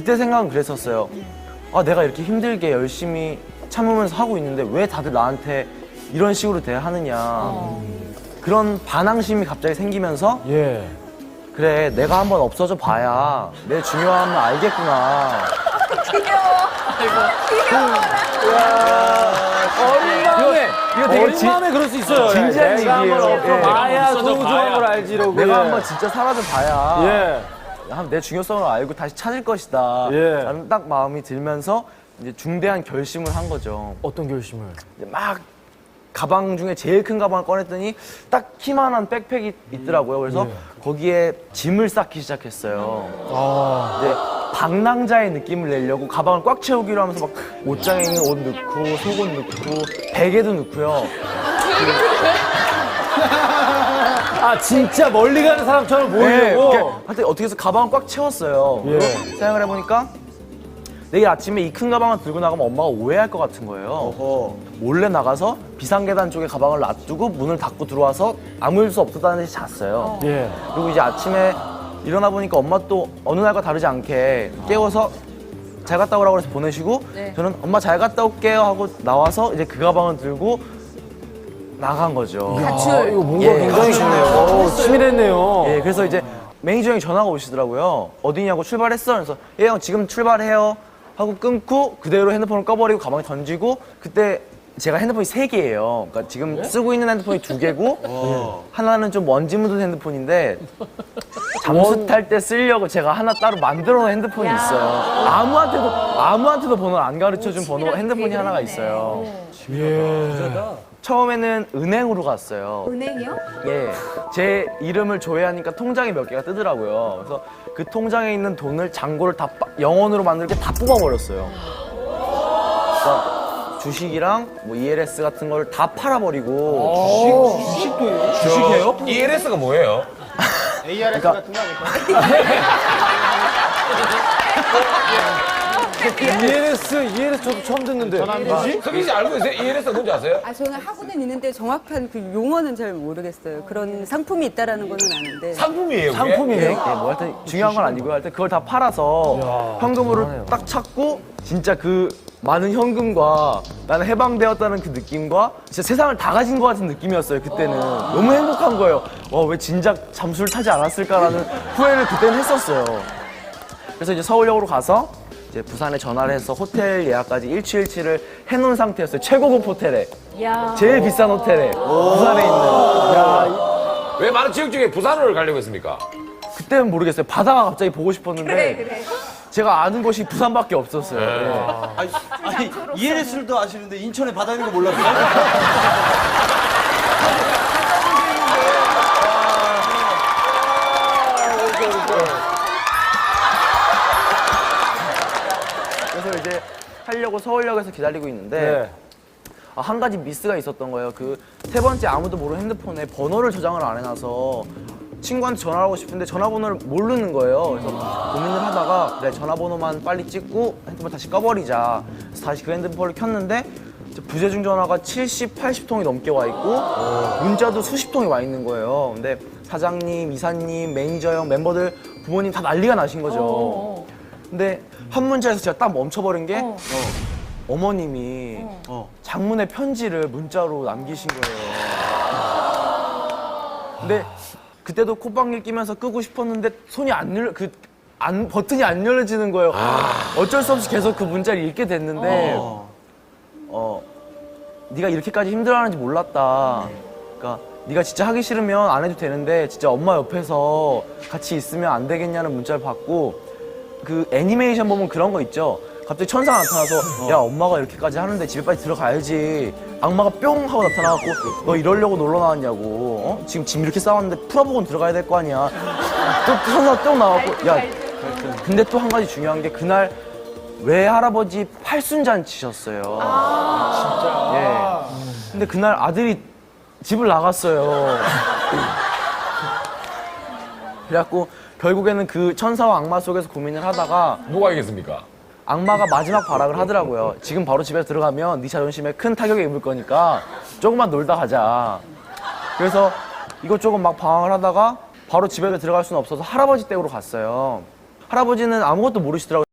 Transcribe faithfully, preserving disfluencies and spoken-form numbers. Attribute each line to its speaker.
Speaker 1: 그때 생각은 그랬었어요. 아, 내가 이렇게 힘들게 열심히 참으면서 하고 있는데 왜 다들 나한테 이런 식으로 대하느냐. 어. 그런 반항심이 갑자기 생기면서
Speaker 2: 예.
Speaker 1: 그래, 내가 한번 없어져 봐야 내 중요함을 알겠구나.
Speaker 2: 어린 마음에,
Speaker 1: 이거 되게
Speaker 2: 어린
Speaker 1: 진-
Speaker 2: 마음에 그럴 수 있어요.
Speaker 1: 진지한
Speaker 2: 내가 한번
Speaker 1: 얘기예요.
Speaker 2: 없어
Speaker 1: 예.
Speaker 2: 봐야
Speaker 3: 없어져
Speaker 2: 소중한
Speaker 3: 봐야.
Speaker 2: 걸 알지라고.
Speaker 1: 내가
Speaker 2: 예.
Speaker 1: 한번 진짜 사라져 봐야
Speaker 2: 예.
Speaker 1: 내 중요성을 알고 다시 찾을 것이다.
Speaker 2: 예.
Speaker 1: 라는 딱 마음이 들면서 이제 중대한 결심을 한 거죠.
Speaker 2: 어떤 결심을?
Speaker 1: 이제 막 가방 중에 제일 큰 가방을 꺼냈더니 딱 키만한 백팩이 있더라고요. 그래서 거기에 짐을 쌓기 시작했어요.
Speaker 2: 아.
Speaker 1: 이제 방랑자의 느낌을 내려고 가방을 꽉 채우기로 하면서 막 옷장에 있는 옷 넣고 속옷 넣고 베개도 넣고요.
Speaker 2: 아, 진짜 멀리 가는 사람처럼 보이려고?
Speaker 1: 네, 하여튼 어떻게 해서 가방을 꽉 채웠어요.
Speaker 2: 예.
Speaker 1: 생각을 해보니까 내일 아침에 이 큰 가방을 들고 나가면 엄마가 오해할 것 같은 거예요. 어허. 몰래 나가서 비상계단 쪽에 가방을 놔두고 문을 닫고 들어와서 아무 일 수 없었다는 듯이 잤어요.
Speaker 2: 예.
Speaker 1: 그리고 이제 아침에 일어나 보니까 엄마 또 어느 날과 다르지 않게 깨워서 잘 갔다 오라고 해서 보내시고
Speaker 4: 네.
Speaker 1: 저는 엄마 잘 갔다 올게요 하고 나와서 이제 그 가방을 들고 나간 거죠.
Speaker 2: 아, 이거 뭔가
Speaker 1: 예,
Speaker 2: 굉장히
Speaker 1: 가출했네요.
Speaker 2: 오, 치밀했네요.
Speaker 1: 예, 그래서 이제 매니저 형이 전화가 오시더라고요. 어디냐고 출발했어? 그래서 예, 형 지금 출발해요. 하고 끊고 그대로 핸드폰을 꺼버리고 가방에 던지고 그때 제가 핸드폰이 세 개예요. 그러니까 지금 쓰고 있는 핸드폰이 두 개고 하나는 좀 먼지 묻은 핸드폰인데 잠수 탈 때 쓰려고 제가 하나 따로 만들어 놓은 핸드폰이 있어요. 아무한테도 아무한테도 번호를 안 가르쳐 준 번호 핸드폰이 하나가 있어요.
Speaker 2: 예.
Speaker 1: 처음에는 은행으로 갔어요.
Speaker 4: 은행이요?
Speaker 1: 예, 제 이름을 조회하니까 통장에 몇 개가 뜨더라고요. 그래서 그 통장에 있는 돈을 잔고를 다 빠- 영원으로 만들게 다 뽑아버렸어요. 그러니까 주식이랑 뭐 이엘에스 같은 걸 다 팔아버리고
Speaker 3: 주식, 주식도 주식이에요? 이엘에스가 뭐예요?
Speaker 5: 에이알에스
Speaker 1: 그러니까-
Speaker 5: 같은 거 아닐까요?
Speaker 2: 이엘에스, 이엘에스 저도 처음 듣는데.
Speaker 3: 석희 씨 알고 계세요? 이엘에스가 뭔지 아세요?
Speaker 6: 아, 저는 하고는 있는데 정확한 그 용어는 잘 모르겠어요. 그런 상품이 있다라는 거는 아는데.
Speaker 3: 상품이에요. 그게?
Speaker 1: 예,
Speaker 2: 상품이에요?
Speaker 1: 예, 뭐 하여튼 중요한 건 아니고요. 하여튼 그걸 다 팔아서 현금으로 딱 찾고 진짜 그 많은 현금과 나는 해방되었다는 그 느낌과 진짜 세상을 다 가진 것 같은 느낌이었어요. 그때는 너무 행복한 거예요. 어, 왜 진작 잠수를 타지 않았을까라는 후회를 그때는 했었어요. 그래서 이제 서울역으로 가서 이제 부산에 전화를 해서 호텔 예약까지 일취일취를 해놓은 상태였어요. 최고급 호텔에.
Speaker 4: 야.
Speaker 1: 제일 비싼 호텔에. 부산에 있는.
Speaker 3: 왜 많은 지역 중에 부산을 가려고 했습니까?
Speaker 1: 그때는 모르겠어요. 바다가 갑자기 보고 싶었는데
Speaker 4: 그래, 그래.
Speaker 1: 제가 아는 곳이 부산밖에 없었어요. 예.
Speaker 5: 아니, 아니 이엘에스를 아시는데 인천에 바다 있는 거 몰랐어요?
Speaker 1: 그래서 이제 하려고 서울역에서 기다리고 있는데
Speaker 2: 네.
Speaker 1: 아, 한 가지 미스가 있었던 거예요. 그 세 번째 아무도 모르는 핸드폰에 번호를 저장을 안 해놔서 친구한테 전화를 하고 싶은데 전화번호를 모르는 거예요. 그래서 고민을 하다가 그래 전화번호만 빨리 찍고 핸드폰 다시 꺼버리자. 그래서 다시 그 핸드폰을 켰는데 이제 부재중 전화가 칠십, 팔십 통이 넘게 와 있고 문자도 수십 통이 와 있는 거예요. 근데 사장님, 이사님, 매니저 형, 멤버들, 부모님 다 난리가 나신 거죠. 근데 한 문자에서 제가 딱 멈춰버린 게 어. 어머님이 어, 장문의 편지를 문자로 남기신 거예요. 근데 그때도 콧방귀 끼면서 끄고 싶었는데 손이 안 열려, 그, 안, 버튼이 안 열려지는 거예요. 어쩔 수 없이 계속 그 문자를 읽게 됐는데, 어, 네가 이렇게까지 힘들어하는지 몰랐다. 그러니까 네가 진짜 하기 싫으면 안 해도 되는데 진짜 엄마 옆에서 같이 있으면 안 되겠냐는 문자를 받고 그 애니메이션 보면 그런 거 있죠. 갑자기 천사가 나타나서 야 엄마가 이렇게까지 하는데 집에 빨리 들어가야지. 악마가 뿅 하고 나타나갖고 너 이러려고 놀러 나왔냐고. 어? 지금 짐 이렇게 싸웠는데 풀어보고 들어가야 될 거 아니야. 또 천사가 뿅 나왔고 야 근데 또 한 가지 중요한 게 그날 외할아버지 팔순잔치셨어요. 아 예. 근데 그날 아들이 집을 나갔어요. 그래갖고 결국에는 그 천사와 악마 속에서 고민을 하다가
Speaker 3: 누가 이겼습니까?
Speaker 1: 악마가 마지막 발악을 하더라고요. 지금 바로 집에 들어가면 네 자존심에 큰 타격이 입을 거니까 조금만 놀다 가자. 그래서 이것저것 막 방황을 하다가 바로 집에 들어갈 수는 없어서 할아버지 댁으로 갔어요. 할아버지는 아무것도 모르시더라고요.